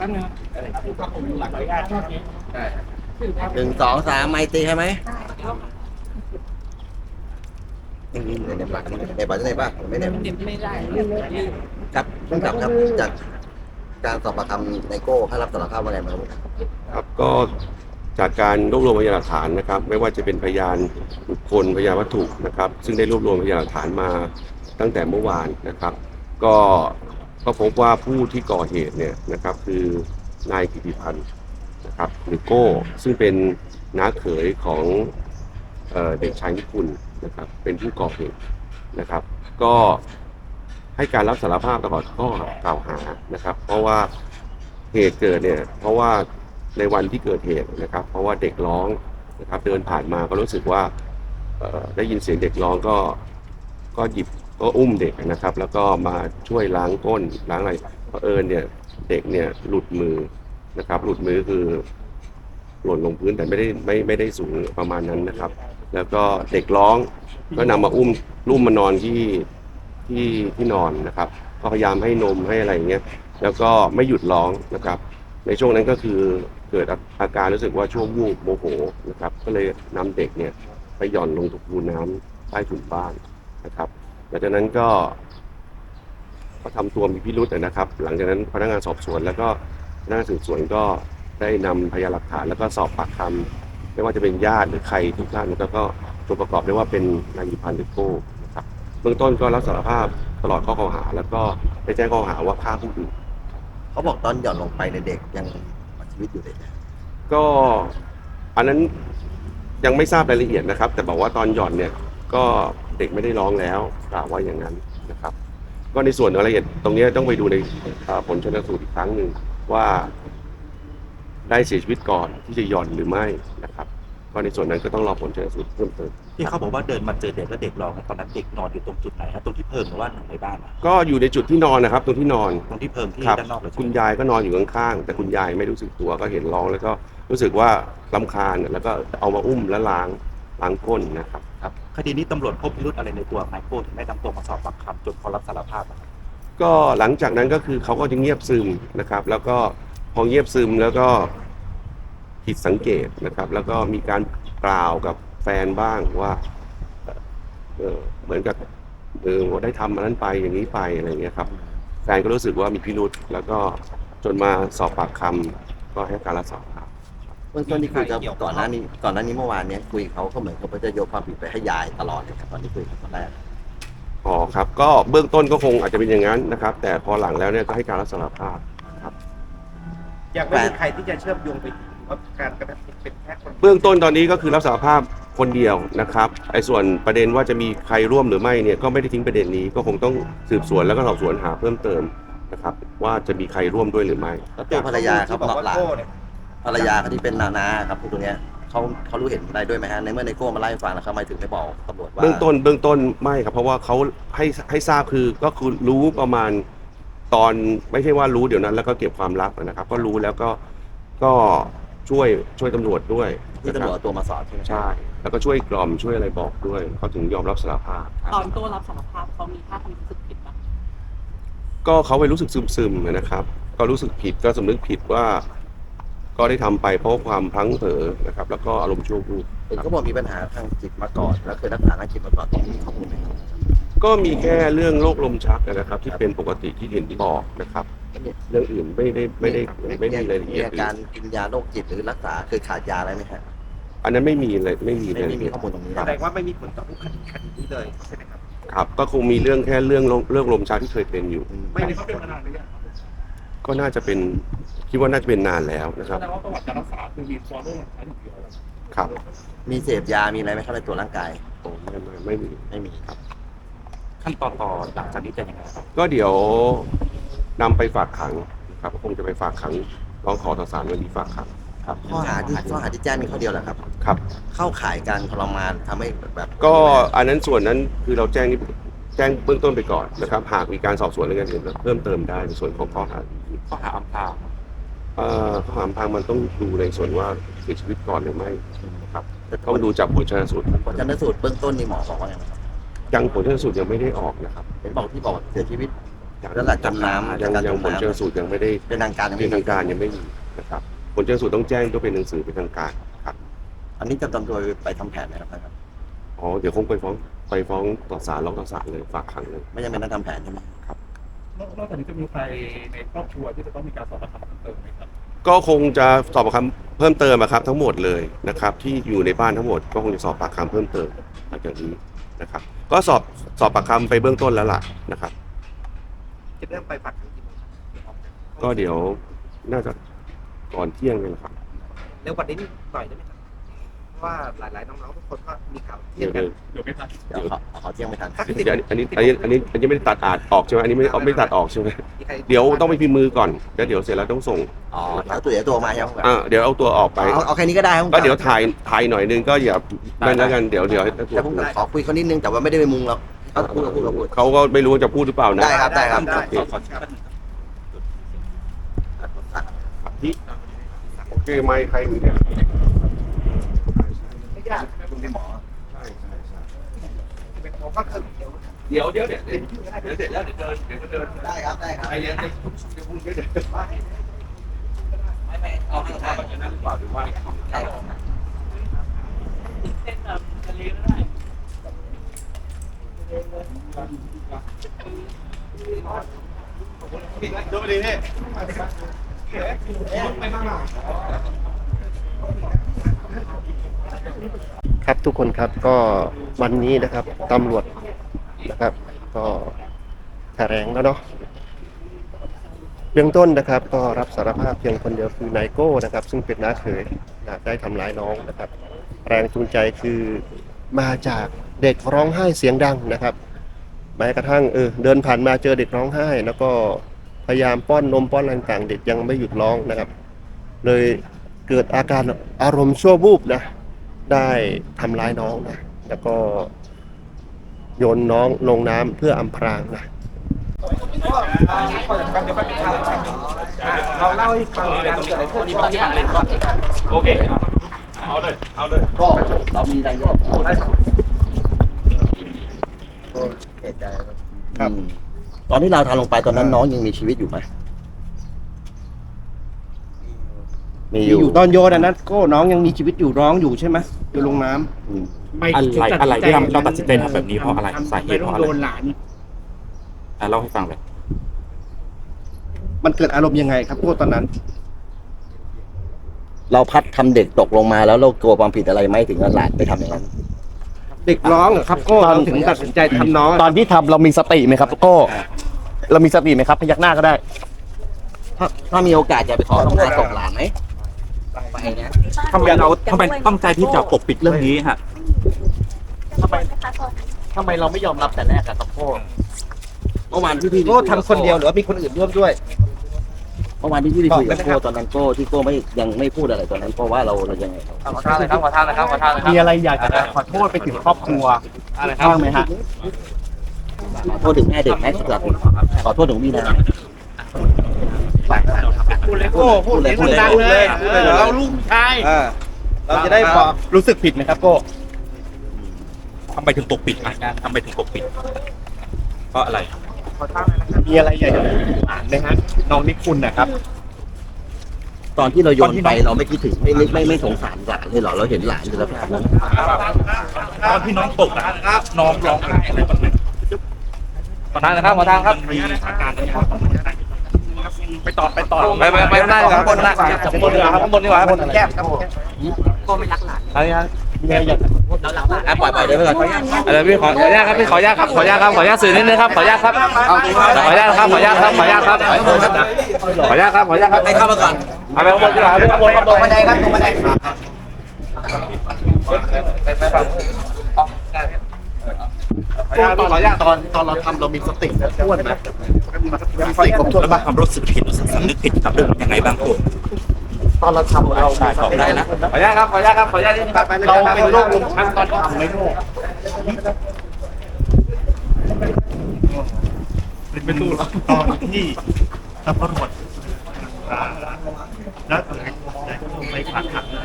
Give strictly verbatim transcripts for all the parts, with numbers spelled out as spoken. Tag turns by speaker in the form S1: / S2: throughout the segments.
S1: ป๊บนึงอะไรคือความผมหลักขออนุญาตได้
S2: หนึ่งสองสามไมตรีใช่ไหมนี่ในในบัตรในบัตรในบ้านไม่ได้
S1: ไม่ได้เรื่องนี้
S2: ครับผู้กำกับครับจากการสอบปากคำไนโก้เขารับสารภาพว่าไงบ้างครับ
S3: ครับก็จากการรวบรวมพยานหลักฐานนะครับไม่ว่าจะเป็นพยานบุคคลพยานวัตถุนะครับซึ่งได้รวบรวมพยานหลักฐานมาตั้งแต่เมื่อวานนะครับก็ก็พบว่าผู้ที่ก่อเหตุเนี่ยนะครับคือนายกิติพันธ์นะครับหรือโก้ซึ่งเป็นน้าเขยของเอ่อเด็กชายนิคุณนะครับเป็นผู้ก่อเหตุนะครับก็ให้การรับสารภาพตลอดข้อกล่าวหานะครับเพราะว่าเหตุเกิดเนี่ยเพราะว่าในวันที่เกิดเหตุนะครับเพราะว่าเด็กร้องนะครับเดินผ่านมาก็รู้สึกว่าได้ยินเสียงเด็กร้องก็ก็หยิบก็อุ้มเด็กนะครับแล้วก็มาช่วยล้างก้นล้างอะไรเผอิญเนี่ยเด็กเนี่ยหลุดมือนะครับหลุดมือคือหล่นลงพื้นแต่ไม่ได้ไม่ไม่ได้สูงประมาณนั้นนะครับแล้วก็เด็กร้องก็นำมาอุ้มลุ่มมานอนที่ที่ที่นอนนะครับก็พยายามให้นมให้อะไรอย่างเงี้ยแล้วก็ไม่หยุดร้องนะครับในช่วงนั้นก็คือเกิดอาการรู้สึกว่าช่วงวูบโมโหนะครับก็เลยนำเด็กเนี่ยไปหย่อนลงถูน้ำใต้ถุนบ้านนะครับหลังจากนั้นก็ก็ทำตัวมีพิรุธนะครับหลังจากนั้นพนักงานสอบสวนแล้วก็พนักงานสืบสวนก็ได้นำพยานหลักฐานแล้วก็สอบปากคำไม่ว่าจะเป็นญาติหรือใครทุกท่านแล้วก็ตัวประกอบได้ว่าเป็นนายพันธ์หรือโก้นะครับเบื้องต้นก็รับสารภาพตลอดข้อกล่าวหาแล้วก็ได้แจ้งข้อหาว่าฆ่าผู้อื่น
S2: เขาบอกตอนหย่อนลงไปในเด็กยังชีวิตอยู่เลย
S3: ก็อันนั้นยังไม่ทราบรายละเอียดนะครับแต่บอกว่าตอนหย่อนเนี่ยก็เด็กไม่ได้ร้องแล้วกล่าวว่าอย่างนั้นนะครับก็ในส่วนรายละเอียดตรงนี้ต้องไปดูในผลชันสูตรอีกครั้งหนึ่งว่าได้เสียชีวิตก่อนที่จะหย่อนหรือไม่นะครับก็ในส่วนนั้นก็ต้องรอผลชันสูตรเพิ่มเติม
S4: ที่เขาบอกว่าเดินมาเจอเด็กแล้วเด็กร้องตอนนั้นเด็กนอนอยู่ตรงจุดไหนครับตรงที่เพิงหรือว่าในบ้าน
S3: ก็อยู่ในจุดที่นอนนะครับตรงที่นอน
S4: ตรงที่เพิงที่ด้านนอกเลย
S3: คุณยายก็นอนอยู่ข้างๆแต่คุณยายไม่รู้สึกตัวก็เห็นร้องแล้วก็รู้สึกว่ารำคาญแล้วก็เอามาอุ้มและล้างล้างก้นนะครับ
S4: ครับคดีนี้ตำรวจพบพิรุธอะไรในตัวนายโก้ถึงได้นำตัวมาสอบปากคำจนเขารับสารภาพนะครับ
S3: ก็หลังจากนั้นก็คือเขาก็จะเงียบซึมนะครับแล้วก็พอเงียบซึมแล้วก็ผิดสังเกตนะครับแล้วก็มีการกล่าวกับแฟนบ้างว่าเออเหมือนกับเออได้ทำมันนั้นไปอย่างนี้ไปอะไรเงี้ยครับแฟนก็รู้สึกว่ามีพิรุธแล้วก็จนมาสอบปากคำก็ให้การรับสารภาพ
S2: เมื่อต้นที่คุยกับก่อนหน้านี้ก่อนหน้านี้เมื่อวานนี้คุยเขาก็เหมือนเขาจะโยนความผิดไปให้ยายตลอดเลยครับตอนที่คุยตอนแรก
S3: อ๋อครับก็เบื้องต้นก็คงอาจจะเป็นอย่างนั้นนะครับแต่พอหลังแล้วเนี่ยก็ให้การรับสารภาพครับ
S1: อยากไม่มีใครที่จะเชื่อมโยงไปถึงว่าการกระทำเป็นแค่คน
S3: เบื้องต้นตอนนี้ก็คือรับสารภาพคนเดียวนะครับไอ้ส่วนประเด็นว่าจะมีใครร่วมหรือไม่เนี่ยก็ไม่ได้ทิ้งประเด็นนี้ก็คงต้องสืบสวนแล้วก็สอบสวนหาเพิ่มเติมนะครับว่าจะมีใครร่วมด้วยหรือไม่
S2: แล้วตัวภรรยาครับบอกหลานภรรยาเขาที่เป็นนานาครับพวกนี้เขาเขารู้เห็นอะไรด้วยไหมฮะในเมื่อไนโก้มาไล่ฟังแล้วเขาไม่ถึงไม่บอกตำรวจว่า
S3: เบื้องต้นเบื้องต้นไม่ครับเพราะว่าเขาให้ให้ทราบคือก็คือรู้ประมาณตอนไม่ใช่ว่ารู้เดี๋ยวนั้นแล้วก็เก็บความลับนะครับก็รู้แล้วก็ก็ช่วยช่วยตำรวจด้วย
S2: ที่ตำรวจตัวมาสอบใช่ไหม
S3: ใช่แล้วก็ช่วยกล่อมช่วยอะไรบอกด้วยเขาถึงยอมรับสารภาพ
S5: ตอนตัวรับสารภาพเขามีท่าทีรู้สึกผิดไหม
S3: ก็เขาไปรู้สึกซึมๆนะครับก็รู้สึกผิดก็สำนึกผิดว่าก็ได้ทำไปเพราะความพลั้งเผลอนะครับแล้วก็อารมณ์ชั่ววูบ
S2: เห็นเขาบอกมีปัญหาทางจิตมาก่อนแล้วเคยรักษาทางจิตมาก่อนตรงนี้ข้อมูลไหมครับ
S3: ก็มีแค่เรื่องโรคลมชักนะครับที่เป็นปกติที่เห็นที่บอกนะครับเรื่องอื่นไม่ได้ไม่ได้ไม่มีรายละเอียด
S2: การกินยาโรคจิตหรือรักษาเคยขาดยาอะไรไหมครับ
S3: อันนั้นไม่มีเลยไม่มีเลย
S2: ไม่มีข้อมูลตรงนี้
S1: แสดงว่าไม่มีผลต่อคดีคดีนี้เลยใช่ไหมครับ
S3: ครับก็คงมีเรื่องแค่เรื่องเรื่องลมชักที่เคยเป็นอยู่
S1: ไม่ได้เขาเป็นมานานหรือยัง
S3: ก็น่าจะเป็นคิดว่าน่าจะเป็นนานแล้วนะครับ
S1: แสดงว่าประวัติการรักษาคือมีตัวโรคอะไรอยู่แล้ว
S3: ครับ
S2: มีเสพยามีอะไรไหมครับในตัวร่างกาย
S3: โอ้ไม่ไม่ไม่มี
S2: ไม่มีครับ
S4: ขั้นตอนต่อหลังจากนี้จะยังไงครับ
S3: ก็เดี๋ยวนำไปฝากขังครับคงจะไปฝากขังร้องขอต่อศาลวันนี้ฝากขังครับ
S2: ข้อหาที่ข้อหาที่แจ้งมีข้อเดียวแหละครับ
S3: ครับ
S2: เข้าข่ายการทรมานทำให้แบบ
S3: ก็อันนั้นส่วนนั้นคือเราแจ้งนี่แจ้งเบื้องต้นไปก่อนนะครับหากมีการสอบสวนเรื่องอื่นเพิ่มเติมได้ในส่วนของข้อหา
S4: ข้อหาอำพราง
S3: เอ่อข้อหาอำพรางมันต้องดูในส่วนว่าเสียชีวิตก่อนหรือไม่ครับต้องดูจากผลชันสูตร
S2: ผลชันสูตรเบื้องต้นนี่หมอบอกว่าไงครับ
S3: ยังผลชันสูตรยังไม่ได้ออกนะครับ
S2: เห็นบอกที่บอกเสียชีวิตแล้วหลักจมน้ำ
S3: ยัง
S2: การ
S3: ยั
S2: จ
S3: ง
S2: ม
S3: ผล
S2: น้ำ
S3: ชนสูตรยังไม่ได้
S2: เป็นทางการยัง
S3: เป็
S2: ไม่
S3: น
S2: มี
S3: ทางการยังไม่มีนะครับผลชนสูตรต้องแจ้งก็เป็นหนังสือเป็นทางการครับ
S2: อันนี้จะตำตัวไปทำแผนไหมครับท่านครับ
S3: อ๋อเดี๋ยวคงไปฟ้องไปฟ้องต่อศาลร้องต่อศาลเลยฝากขังเลย
S2: ไม่จำเป็นต้องทำแผนใช่ไหม
S4: นอกจากนี้จะมีใครในครอบครัวที่จะต้องมีการสอบปากคำเพิ่มเติมไหมครับ
S3: ก็คงจะสอบปากคำเพิ่มเติมอะครับทั้งหมดเลยนะครับ ที่อยู่ในบ้านทั้งหมดก็คงจะสอบปากคำเพิ่มเติมหลังจากนี้นะครับ ก็สอบสอบปากคำไปเบื้องต้นแล้วล่ะนะครับ
S1: จะเริ่มไปฝักขังกี่โมง
S3: ก็เดี๋ยวน่าจะก่อนเที่ยงเลยนะครับ
S1: เร็วกว่านี้หน่อยได้ไหมครับเพราะว่าหลายๆน้องๆทุกคนก็มีข่าวเที่
S3: เดี๋
S1: ย
S3: ยว
S1: งกัน
S3: เดี๋ยว
S4: เดี๋ยวไม่ทัน
S2: เดี๋ยวขอขอเที่ยงไม่ทัน
S3: เดี๋ยวอันนี้อันนี้อันนี้อันนี้ไม่ได้ตัดอาดออกใช่ไหมอันนี้ไม่ไม่ได้ตัดออกใช่ไหม
S1: มีใคร
S3: เดี๋ยวต้องไปพิมพ์มือก่อนแล้วเดี๋ยวเสร็จแล้วต้องส่ง
S2: อ๋อเอาตัวเดี๋ยวตัวมาครับ
S3: อ่าเดี๋ยวเอาตัวออกไป
S2: เอาเอาแค่นี้ก็ได้ครับ
S3: ก็เดี๋ยวถ่ายถ่ายหน่อยนึงก็อย่านั่นแล้วกันเดี๋ยวเดี๋ยวให้ตัว
S2: แต่ผมขอคุยเขานิดนึงแต่ว่าไม่ได้ไปมุงหรอกเขาพูดเขาพูดเขาพูด
S3: เขาก็ไม่รู้ว่าจะพูดหรือเปล่านะ
S2: ได้ครับได้ครับ
S1: ได้
S3: โอเค
S1: ขอขอ
S3: โอเคไม่ใครอยู่เนี่ย
S1: ไม่ยากคุณเป็นหมอเป็นหมอก็คือเดี๋ยว
S3: เดี๋ยวเดี๋ยวเดี๋ยวเดี๋ยวเสร็จแล้วเดี๋ยวเดินเดี๋ยวก็เดิน
S2: ได้ครับได้ครับ
S3: ไอ้เนี้ยจะพูดเยอะเดี๋ยว
S2: ไม่ไม่เอาให้ได้
S3: จะนั่งหรือเปล่าหรือว่า
S2: ได้ครับ
S5: เส้นแบบทะเลก็ได้
S1: ดูดีนี่ครับทุกคนครับก็วันนี้นะครับตำรวจนะครับ ก็แถลงแล้วเนาะเบื้องต้นนะครับ ก็รับสารภาพเพียงคนเดียวคือนายโก้นะครับ ซึ่งเป็นน้าเขยนะได้ทำร้ายน้องนะครับ แรงจูงใจคือมาจากเด็กร้องไห้เสียงดังนะครับแม้กระทั่งเออเดินผ่านมาเจอเด็กร้องไห้ แล้วก็พยายามป้อนนมป้อนอะไรต่างๆเด็กยังไม่หยุดร้องนะครับ เลยเกิดอาการอารมณ์ชั่ววูบนะได้ทำร้ายน้องนะแล้วก็โยนน้องลงน้ำเพื่ออำพรางนะเราเล่าให้ฟังการเกิดอะไรขึ้นตอนที่ผ่านเลยก่อน
S4: โอเคเอาเลยเอาเลย
S2: ก็เรามีอะไรก็พูดได้ครับก็เสียใจครับตอนที่เราทำลงไปตอนนั้นน้องยังมีชีวิตอยู่ไหมมี
S1: มี
S2: อยู่
S1: อยู่ตอนโยนอันนั้นก็น้องยังมีชีวิตอยู่ร้องอยู่ใช่ไหมอยู่ลงน้ำ
S2: อืม
S4: อะไรอะไรที่ทำเราตัดสินใจทำแบบนี้เพราะอะไรสาเหตุเพราะอะไร
S1: โดนหลาน
S4: อ่ะเล่าให้ฟังเลย
S1: มันเกิดอารมณ์ยังไงครับพวกตอนนั้น
S2: เราพัดทำเด็กตกลงมาแล้วเรากลัวความผิดอะไรไหมถึงเอาหลานไปทำอย่างนั้น
S1: เด็กร้องเหรอครับก็เราถึงตัดสินใจทำน้อง
S6: ตอนที่ทำเรามีสติไหมครับโก้เรามีสติไหมครับพยักหน้าก็ได้
S2: ถ้าถ้ามีโอกาสจะไปขอทำงานส่งหลานไหมไปนะ
S4: ทำไมเราทำไมตั้งใจที่จะปกปิดเรื่องนี้ฮะ
S6: ทำไมทำไมเราไม่ยอมรับแต่แรกอะครับโก้
S2: เมื่อวานที่พี่
S1: ก็ทำคนเดียวหรือว่ามีคนอื่นร่วมด้วย
S2: เมื่อวานที่พี่ไปคุยกับโก้ตอนนั้นโก้ที่โก้ไม่ยังไม่พูดอะไรตอนนั้นเพราะว่าเราเรายังไงครับ
S5: ขอทานเลยครับขอทานเลยครับขอทานเลยครับ
S6: มีอะไรอยากจะขอโทษไปถึงครอบครัวอะไรบ้างไหมฮะ
S2: ขอโทษถึงแม่เด็กแม่สุดท้ายขอโทษถึงพี่นะ
S1: พูดเลยโก้พูดเลยพูดดังเลยเราลูกชายเราจะได้บอกรู้สึกผิดไหมครับโก้
S4: ทำไมถึงปกปิดอ่ะทำไมถึงปกปิด เพราะอะไร
S6: มีอะไรอยากจะอ่านไหมฮะน้องนิคุณนะครับ
S2: ตอนที่เราโยนไปเราไม่คิดถึงไม่ไม่ไม่ไม่สงสารหลานเลยเหรอเราเห็นหลานอยู่แล้วครับ
S4: ตอนที่น้องตกอ่ะน้องร้องไห้อะไรบ้างไหม
S5: ขอทานเลยครับขอทานครับ
S4: มีอาการอะไรบ้างไปต่อไปต่อ
S5: ไปไปไปได้ครับข้างบนนะข้างบนดีกว่าครับข้างบนดีกว่าครับข้างบนแคบครับ
S6: มีอะไรอยาก
S2: อ่ะปล่อยปล่อยได้ไหมก่อน
S5: เดี๋ยวพี่ขอขออนุญาตครับพี่ขออนุญาตครับขออนุญาตครับขออนุญาตสื่อนิดนึงครับขออนุญาตครับขออนุญาตครับขออนุญาตครับขออนุญาตครับขออนุญาตครับขออนุญาตครับขออนุญาตครับ
S2: ให้เข้ามาก่อน
S5: เอาไปข้างบนดีกว่าข้างบนข้างบน
S2: บันไดครับตรงบันได
S6: ตอนตอนตอนเราทำเรามีสติท้วนไหมมีสติครบถ้วน
S4: แล้ว
S6: ไหม
S4: มาความรู้สึกผิดสำนึกผิดกับเรื่องยังไงบ้างคุณ
S6: ตอนเราทำเรามีสติ
S4: ได้นะ
S5: ขออนุญาตครับขออนุญาตครับขออนุญาตนิดนึงครับ
S6: เราเป็นโรคลมชักตอนทำไหมโก้
S4: เป็นตู้ตอนที่ตำรวจแล้วไปฝากขัง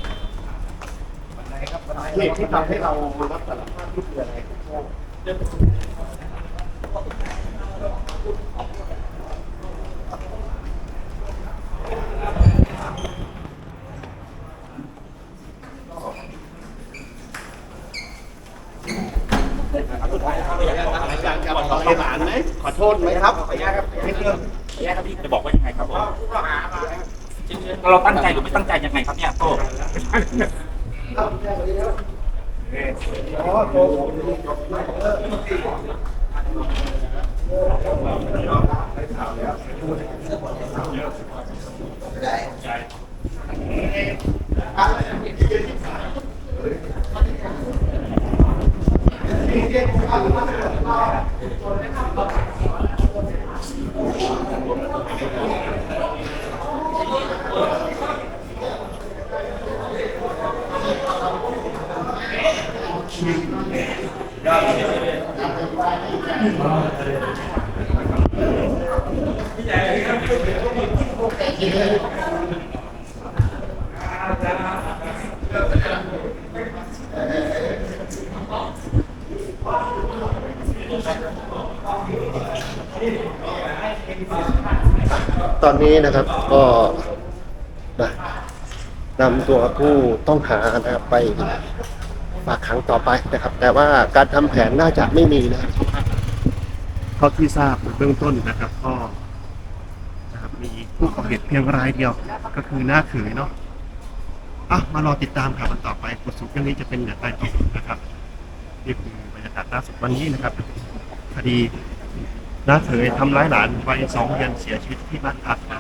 S6: เหตุที่ทำให้เรารับสารภาพที่คืออะไรอยากจะขอหลานไหมขอโทษไหมครับขออนุญาตครับนิดนึง
S4: จะบอกว่ายังไงครับผมเราตั้งใจหรือไม่ตั้งใจยังไงครับเนี่ยโก้
S1: ตอนนี้นะครับก็นะนำตัวผู้ต้องหานะครับไปฝากขังต่อไปนะครับ แต่ว่าการทำแผนน่าจะไม่มีนะครับเท่าที่ทราบเบื้องต้นนะครับก็นะครับมีผู้ก่อเหตุเพียงรายเดียวก็คือหน้าเขยเนาะอ่ะมารอติดตามข่าวกันต่อไปบทสรุปเรื่องนี้จะเป็นอย่างไรต่อนะครับนี่คือบรรยากาศล่าสุดวันนี้นะครับคดีน้าเขยทำร้ายหลานวัยสองเดือนเสียชีวิตที่บ้านพักนะ